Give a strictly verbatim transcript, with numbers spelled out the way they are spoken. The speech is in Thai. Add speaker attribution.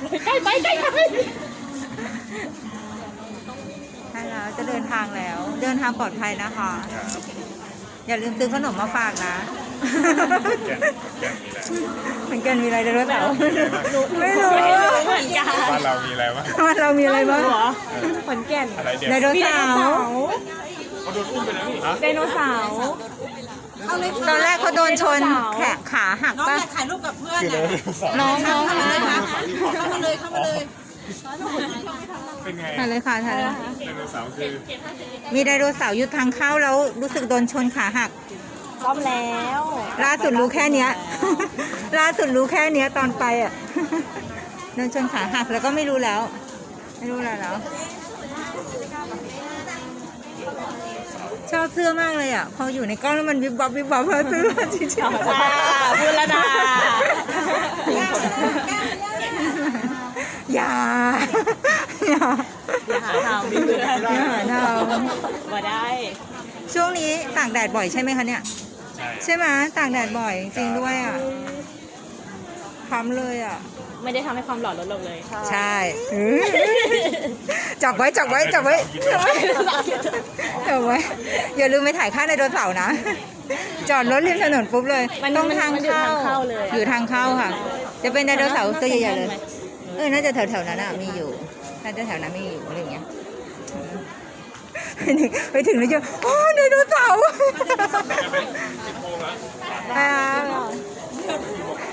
Speaker 1: ใกล้ไปใกล้ไป
Speaker 2: ใช่แล้วจะเดินทางแล้ว เดินทางปลอดภัยนะคะ
Speaker 3: ครับ
Speaker 2: อย่าลืมซื้อขนมมาฝากนะ
Speaker 3: แก่นแก่นมีอะไร
Speaker 2: เหมือนกันมีอะไรไดโนเสาร์ไม่รู้
Speaker 1: ไม่รู้เหมือนกัน
Speaker 3: บ้านเรามีอะไรบ้าง
Speaker 2: ว่าเรามีอะไรบ้าง
Speaker 1: เหรอขอนแก่น
Speaker 3: อะไรเด็ด
Speaker 2: ไดโนเสาร์
Speaker 3: เขาโดนอุ้มไปแล้วนี่ฮะ
Speaker 1: ไดโนเสาร์
Speaker 4: เอาเลย
Speaker 2: ตอนแรกเขาโดนชน
Speaker 1: ไดโนเสาร์
Speaker 2: แขนขาหัก
Speaker 4: น้อง
Speaker 2: ป่ะ
Speaker 4: อยากถ่ายรูปกับเพื่อน
Speaker 3: คือได
Speaker 4: อ่ะ
Speaker 3: โนเสาร์
Speaker 2: น้องน้อง
Speaker 4: เข้ามาเลยครับเข้ามาเลยเข้ามาเลย
Speaker 3: เป็นไง
Speaker 2: ถ่ายเลยค่ะถ่ายเลย
Speaker 3: ไดโนเสาร์คือ
Speaker 2: มีไดโนเสาร์อยู่ทางเข้าแล้วรู้สึกโดนชนขาหัก
Speaker 1: ซ่อมแล้ว
Speaker 2: ล่าสุดรู้แค่เนี้ย ล่าสุดรู้แค่เนี้ยตอนไปอ่ะ โดนชนขาหักแล้วก็ไม่รู้แล้ว ไม่รู้แล้วแล้ว ชอบเสื้อมากเลยอ่ะ พออยู่ในกล้องแล้วมันวิบวับวิบวับเลยซื้อมาจริง
Speaker 1: จ้าพูดแล้วนะ
Speaker 2: อย่า อย่า
Speaker 1: อย่าหาทำพี่เพื่อน
Speaker 2: อย่าหาท
Speaker 1: มาได้
Speaker 2: ช่วงนี้ตากแดดบ่อยใช่ไหมคะเนี่ย
Speaker 3: ใช่
Speaker 2: ใช่ไหมตากแดดบ่อยจริงด้วยอ่ะค้ำเลยอ่ะ
Speaker 1: ไม่ได้ทำให้ความหล่อลดลงเลย
Speaker 2: ใช่ จับไว้จับไว้จับไว้จับไว้จับไว้อย่าลืมไปถ่ายค่าไดโนเสาร์นะ จอดรถริมถนนปุ๊บเลย
Speaker 1: มัน
Speaker 2: ต้อง
Speaker 1: มัน
Speaker 2: ทาง
Speaker 1: มันอยู่
Speaker 2: เข้า
Speaker 1: ทางเข้าเลยอะ
Speaker 2: อยู่ทางเข้าค่ะ จะเป็นไดโนเสาร์ตัวใหญ่ๆเลย เออน่าจะแถวๆนั้นอ่ะมีอยู่น่าจะแถวนั้นมีอยู่อะไรอย่างเงี้ยไปถึงแล้วจะโอ้ไดโนเสาร์
Speaker 3: สิบโมงแล้ว
Speaker 2: อ่า